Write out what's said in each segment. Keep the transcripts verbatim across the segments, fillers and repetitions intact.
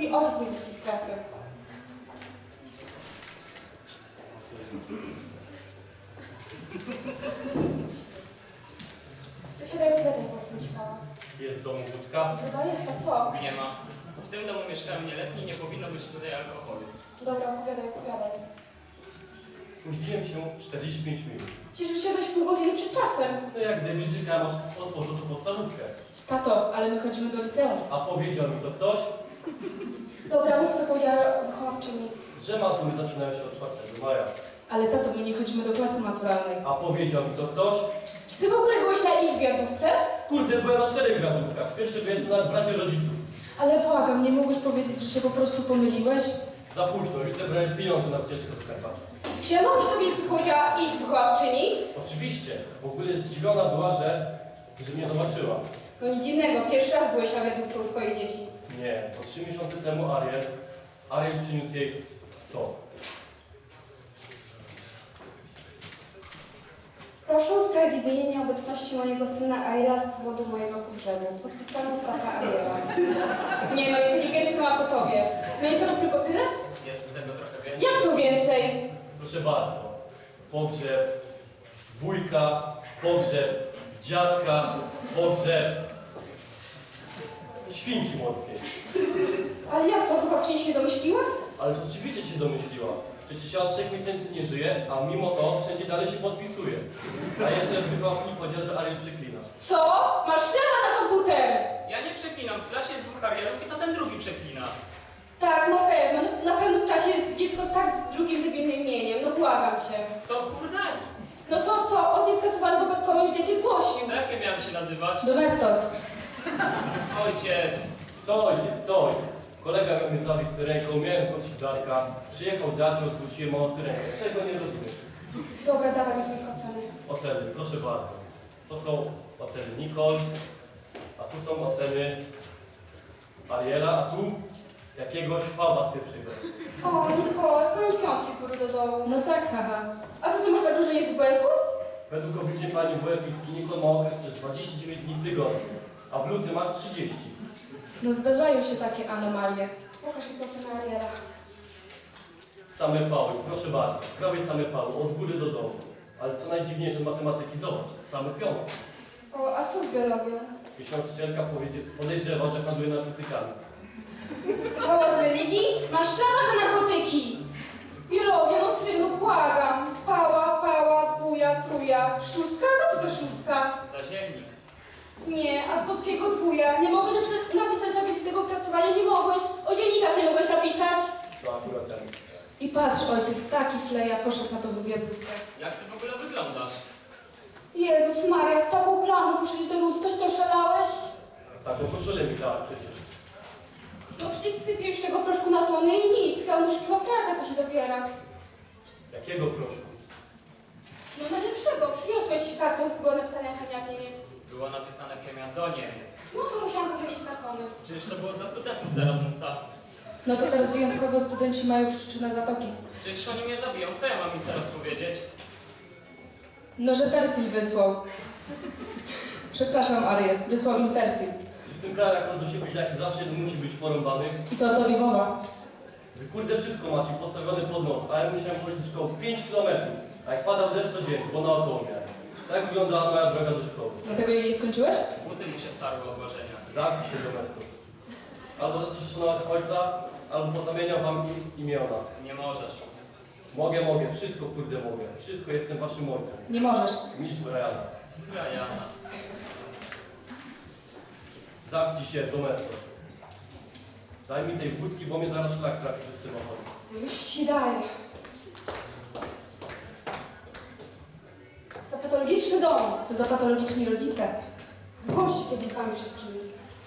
Mój ojciec nie wróci z pracy. Wysiadaj, opowiadaj, bo jestem ciekawa. Jest w domu wódka? Chyba jest, a co? Nie ma. W tym domu mieszkają nieletni i nie powinno być tutaj alkoholu. Dobra, opowiadaj, opowiadaj. Spóźniłem się czterdzieści pięć minut. Przecież wysiadłeś pół godziny przed czasem. No jak debil czekałem, aż otworzył tą podstawówkę. Tato, ale my chodzimy do liceum. A powiedział mi to ktoś, Dobra, mów co powiedziała wychowawczyni. że matury zaczynają się od czwartego maja. Ale tato, my nie chodzimy do klasy maturalnej. A powiedział mi to ktoś, Czy ty w ogóle byłeś na ich wiadówce? kurde, byłem na czterech gradówkach. Pierwszy wyjazd nawet w razie rodziców. Ale błagam, nie mógłbyś powiedzieć, że się po prostu pomyliłeś? Za późno, już zebrałem pieniądze na wycieczkę do Karpacza. Czy ja mogę się dowiedzieć, co powiedziała ich wychowawczyni? Oczywiście, w ogóle zdziwiona była, że, że mnie zobaczyła. No nic dziwnego, pierwszy raz byłeś na wiadówce u swojej dzieci. Nie, po trzy miesiące temu Ariel, Ariel przyniósł jej to. Proszę o usprawiedliwienie nieobecności mojego syna Ariela z powodu mojego pogrzebu. Podpisano tata Ariela. Nie no, inteligencja to ma po tobie. No i co, to tylko tyle? Jest tego trochę więcej. Jak to więcej? Proszę bardzo. Pogrzeb wujka, pogrzeb dziadka, pogrzeb świnki morskiej. Ale jak to, wychowawczyni się domyśliła? Ale rzeczywiście się domyśliła. Przecież ja od trzech miesięcy nie żyję, a mimo to wszędzie dalej się podpisuje. A jeszcze wychowawczyni powiedział, że Ariel przeklina. Co? Masz ślada na komputer! Ja nie przeklinam. W klasie jest dwóch Arielów i to ten drugi przeklina. Tak, na pewno. Na pewno w klasie jest dziecko z tak drugim debilnym imieniem. No błagam cię. Co kurde? No to co? Ojciec skasowany wypadkowo już dziecię zgłosił. To jakie miałem się nazywać? Domestos. Ojciec. Co ojciec, co ojciec? Kolega miał mnie zabić syrenką, miałem zgłosić Darka. Przyjechał Dacio, zgłosiłem małą syrenkę. Czego nie rozumiem? Dobra, dawaj mi tu ich oceny. Oceny, proszę bardzo. To są oceny Nicole, a tu są oceny Ariela, a tu jakiegoś Pawła z pierwszego. O, Nikola, same piątki z góry do dołu. No tak, haha. A co ty masz zagrożenie z W F-u? Według obliczeń pani W F i Nicole ma okres przez dwadzieścia dziewięć dni w tygodniu, a w lutym masz trzydzieści. No zdarzają się takie anomalie. Pokaż mi to ocenę Ariela. Same pały, proszę bardzo. Prawie same pały, od góry do dołu. Ale co najdziwniejsze z matematyki, zobacz, same piątki. O, a co z biologią? Jeśli nauczycielka powiedzie- podejrzewa, że handluje narkotykami. Pała z religii? Masz szlama na narkotyki! Biologia, no synu, błagam. Pała, pała, dwuja, truja. Szóstka? Co to to szóstka? Zaziemnik. Nie, a z polskiego dwuja. Nie mogłeś napisać, napisać na więcej tego opracowania? Nie mogłeś? O zienikach nie mogłeś napisać? To akurat ja nie chcę. I patrz, ojciec, taki fleja poszedł na tą wywiadówkę. Jak ty w ogóle wyglądasz? Jezus Maria, z taką planą poszedłeś do ludzi, coś ty oszalałeś? Taką koszulę mi dałaś przecież. No przecież sypie już tego proszku na tony i nic, chyba muszę chyba praka, co się dobiera. Jakiego proszku? No najlepszego, przyniosłeś karton chyba napisania chemia z Niemiec. Było napisane chemia do Niemiec. No to musiałam powiedzieć kartony. Przecież to było dla studentów z Erasmusa. No to teraz wyjątkowo studenci mają przyczynę zatoki. Przecież oni mnie zabiją. Co ja mam im teraz powiedzieć? No, że Persil wysłał. Przepraszam, Ariel, wysłał im Persil. Czy w tym kraju jak rodzą się jak zawsze jeden musi być porąbany? I to o tobie mowa. Wy kurde wszystko macie postawione pod nos, a ja musiałem chodzić do szkoły pięć kilometrów. A jak padał deszcz to dzień, bo naokoło miałem. Tak wyglądała moja droga do szkoły. Dlatego jej nie skończyłeś? Buty mu się starły obłożenia. Zamknij się do mestu. Albo zaczniesz szanować ojca, albo pozamieniam wam im- imiona. Nie możesz. Mogę, mogę, wszystko kurde mogę. Wszystko jestem waszym ojcem. Nie możesz. Milcz Briana. Briana. Zamknij się, domestos. Daj mi tej wódki, bo mnie zaraz szlak trafi przez tym ochotę. Już ci daję. Za patologiczny dom. Co za patologiczni rodzice. Bądźcie kiedyś z wami wszystkimi.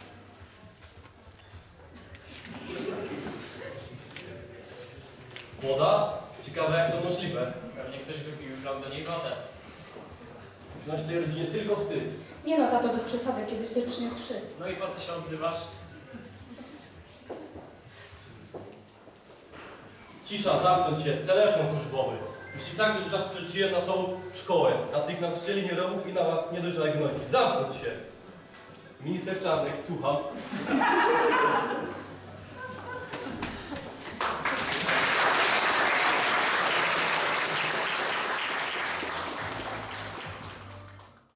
Woda? Ciekawe jak to możliwe. Pewnie ktoś wypił i wlał do niej wodę. Wziąć tej rodzinie tylko wstyd. Nie no, tato, bez przesady, kiedyś też przyniósł trzy. No i po co się odzywasz? Cisza, zamknąć się, telefon służbowy. Już i tak dużo czasu straciłem na tą szkołę, na tych nauczycieli nierobów i na was niedojrzałych gnoi. Zamknąć się! Minister Czarnek, słucham.